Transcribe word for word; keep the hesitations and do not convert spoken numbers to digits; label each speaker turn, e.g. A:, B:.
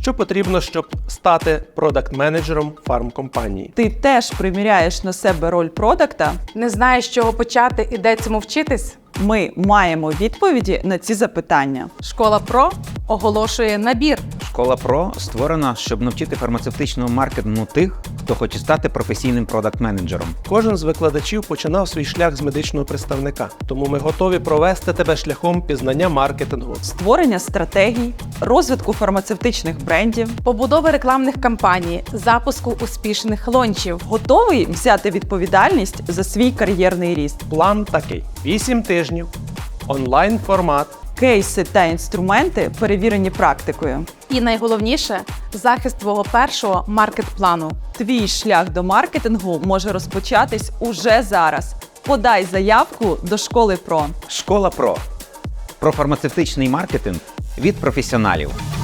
A: Що потрібно, щоб стати продакт-менеджером фармкомпанії?
B: Ти теж приміряєш на себе роль продакта?
C: Не знаєш, з чого почати і де цьому вчитись?
B: Ми маємо відповіді на ці запитання.
C: Школа Про оголошує набір.
D: Школа Про створена, щоб навчити фармацевтичному маркетингу тих, хто хоче стати професійним продакт-менеджером.
A: Кожен з викладачів починав свій шлях з медичного представника, тому ми готові провести тебе шляхом пізнання маркетингу.
B: Створення стратегій, розвитку фармацевтичних брендів.
C: Побудови рекламних кампаній, запуску успішних лончів.
B: Готовий взяти відповідальність за свій кар'єрний ріст.
A: План такий: вісім тижнів, онлайн-формат,
B: Кейси та інструменти, перевірені практикою.
C: І найголовніше – захист твого першого маркет-плану.
B: Твій шлях до маркетингу може розпочатись уже зараз. Подай заявку до Школи Про.
D: Школа Про. Про фармацевтичний маркетинг від професіоналів.